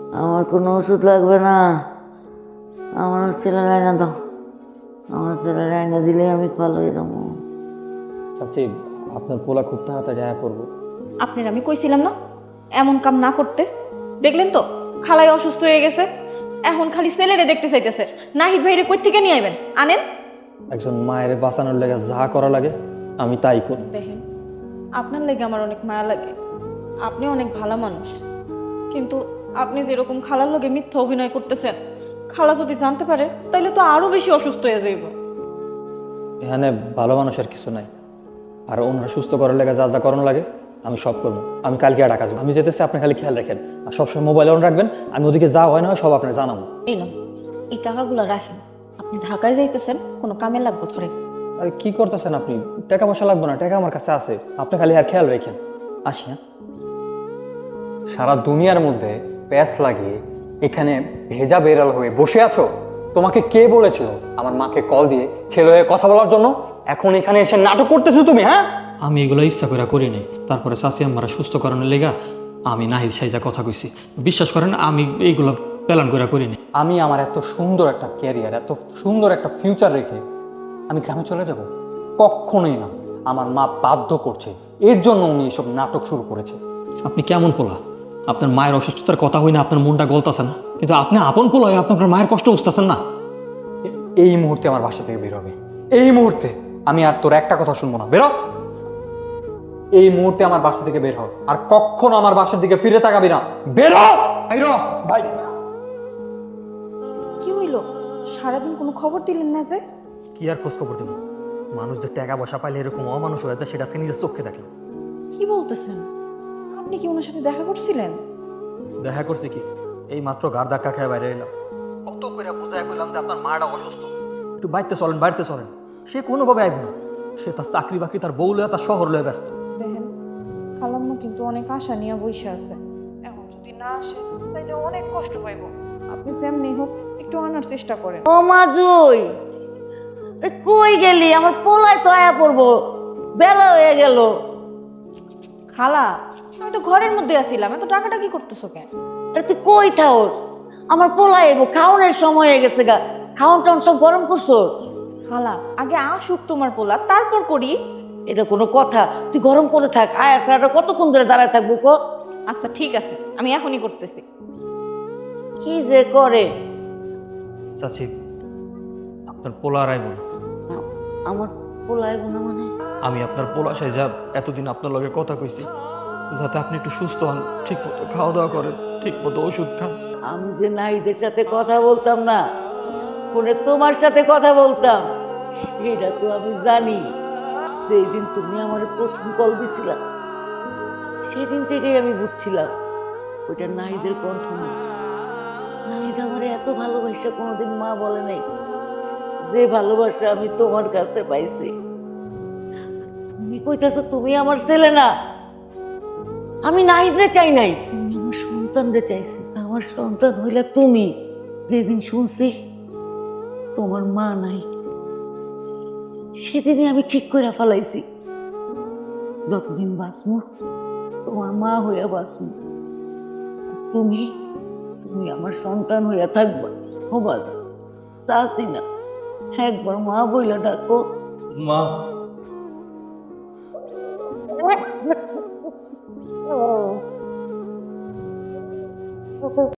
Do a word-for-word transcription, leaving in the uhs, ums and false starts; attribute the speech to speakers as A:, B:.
A: আমার কোনো ওষুধ লাগবে না, আমার ছেলে রায়না দাও, আমার ছেলে রায়না দিলে আমি ভালো হয়ে যাবো।
B: চাচি, আপনার পোলা খুব তাড়াতাড়ি আয়া করবো।
C: আপনার আমি কইছিলাম না এমন কাম না করতে। দেখলেন তো খালাই অসুস্থ হয়ে গেছে, এখন খালি ছেলেরে দেখতে চাইতেছে। নাহিদ ভাইরে কই থেকে নিয়ে আইবেন, আনেন।
B: একজন মায়ের বাঁচানোর লেগে যা করা লাগে আমি তাই করি।
C: দেখেন, আপনার লেগে আমার অনেক মায়া লাগে, আপনি অনেক ভালো মানুষ, কিন্তু আপনি যেরকম খালার লগে মিথ্যা অভিনয় করতেছেন, খালা যদি জানতে পারে তাহলে তো আরো বেশি অসুস্থ হয়ে যাইব।
B: এখানে ভালো মানুষের কিছু নাই, আর ওনারা সুস্থ করার লেগে যা যা করানো লাগে আমি সব করবো। আমি কালকে আর ঢাকা যাবো, আমি যেতেছি, আপনি খালি খেয়াল রাখেন আর সবসময় মোবাইল অন রাখবেন। আমি ওদিকে যা হয় না হয় সব আপনার জানাবো।
C: এই না, এই টাকাগুলো রাখেন, আপনি ঢাকায় যাইতেছেন, কোনো কামে লাগবে ধরে।
B: আরে কি করতেছেন আপনি? টাকা পয়সা লাগবে না, টাকা আমার কাছে আছে, আপনি খালি আর খেয়াল রাখেন। আসি। হ্যাঁ,
D: সারা দুনিয়ার মধ্যে প্যাস লাগিয়ে এখানে ভেজা বেড়াল হয়ে বসে আছো? তোমাকে কে বলেছিল আমার মাকে কল দিয়ে ছেলে হয়ে কথা বলার জন্য? এখন এখানে এসে নাটক করতেছো তুমি? হ্যাঁ,
E: আমি এগুলো ইচ্ছা করে করি নাই। তারপরে চাচি আমার সুস্থ করানোর লেগা আমি নাহিদ সাইজা কথা কইছি। বিশ্বাস করেন আমি এইগুলো প্ল্যান করে করি নাই।
D: আমি আমার এত সুন্দর একটা ক্যারিয়ার, এত সুন্দর একটা ফিউচার রেখে আমি গ্রামে চলে যাব? কখনোই না। আমার মা বাধ্য করছে, এর জন্য উনি এসব নাটক শুরু করেছে।
E: আপনি কেমন পোলা? আপনার মায়ের অসুস্থতার কথা হই না, আপনার মনটা গলতাছে না, কিন্তু আপনি আপন পোলা হয়ে আপনি আপনার মায়ের কষ্ট বুঝতেছেন না।
D: এ- এই মুহূর্তে আমার বাসা থেকে বের হবে, এই মুহূর্তে। আমি আর তোর একটা কথা শুনবো না, বেরো। এই মুহূর্তে আমার বাসা থেকে বের হ, আর কখনো আমার বাসার দিকে ফিরে তাকাবি না। বেরো, বেরো ভাই।
C: কি হইলো? সারাদিন কোনো খবর দিলেন না যে?
E: কি আর খোঁজ খবর দেবো? মানুষ যে টাকা পয়সা পাইলে এরকম অমানুষ হয়ে যায় সেটা আজকে নিজের চোখে দেখলাম।
C: কি বলতেছেন? আপনি কি ওনার সাথে দেখা করছিলেন?
E: দেখা করছি কি, এই মাত্র গার ধাক্কা খেয়ে বাইরে এলাম। কত করে বুঝায় কইলাম যে আপনার মাটা অসুস্থ, একটু বাড়িতে চলেন, বাড়িতে চলেন। সে কোনোভাবে আইব না, সে তার চাকরি বাকরি, তার বউ লয়ে, তার শহর লয়ে ব্যস্ত।
C: দেখেন, খালাম্মা কিন্তু অনেক আশা নিয়ে বসে আছে, এখন যদি না আসে তাহলে অনেক কষ্ট পাইব। আপনি যেমনি হোক একটু আনার চেষ্টা করেন।
A: ও মাজুই, এ কই গেলি? আমার পোলায় তো আয়া পড়বো, বেলা হয়ে গেল।
C: খালা, আমি তো ঘরের মধ্যে আছিলাম, এত টাকাটা কি করতেছো কেন?
A: আরে তুই কই থাওস? আমার পোলায় এবো, খাওনের সময় হয়ে গেছে গা। খাওন টাউন সব গরম করছো?
C: খালা, আগে আসুক তোমার পোলা, তারপর করি।
A: এটা কোনো কথা? তুই গরম করে থাক, আয় আসাটা কতক্ষণ ধরে দাঁড়ায় থাকবো কো?
C: আচ্ছা ঠিক আছে, আমি এখনই করতেছি।
A: কি যে করে।
E: চাচি, আপনার পোলা আর আইব না।
A: আ- আমার পোলায় বোনা মানে?
E: আমি আপনার পোলা সাইজা এতদিন আপনার লগে কথা কইছি যাতে আপনি একটু সুস্থ হন, ঠিক মতো খাওয়া দাওয়া করেন, ঠিক মতো ওষুধ খান।
A: আমি যে নাইদের সাথে কথা বলতাম না, ফোনে তোমার সাথে কথা বলতাম, সেটা তো আমি জানি। সেই দিন তুমি আমার প্রথম কল দিছিলা, সেদিন থেকেই আমি বুঝছিলাম ওইটা নাহিদের কণ্ঠ না। নাহিদ আমার এত ভালোবাসা কোনোদিন মা বলে নাই, যে ভালোবাসা আমি তোমার কাছে পাইছি। তুমি কইতাছো তুমি আমার ছেলে না? আমি নাহিদরে চাই নাই, আমি আমার সন্তানরে চাইছি। আমার সন্তান হইলে তুমি। যেদিন শুনছি তোমার মা নাই, সেদিনই আমি ঠিক করে ফেলাইছি যতদিন বাঁচমু তোমার মা হইয়া বাঁচমু। তুমি তুমি আমার সন্তান হইয়া থাকবা। হবা চাচি না, একবার মা বইলা ডাকো।
E: মা,
A: ও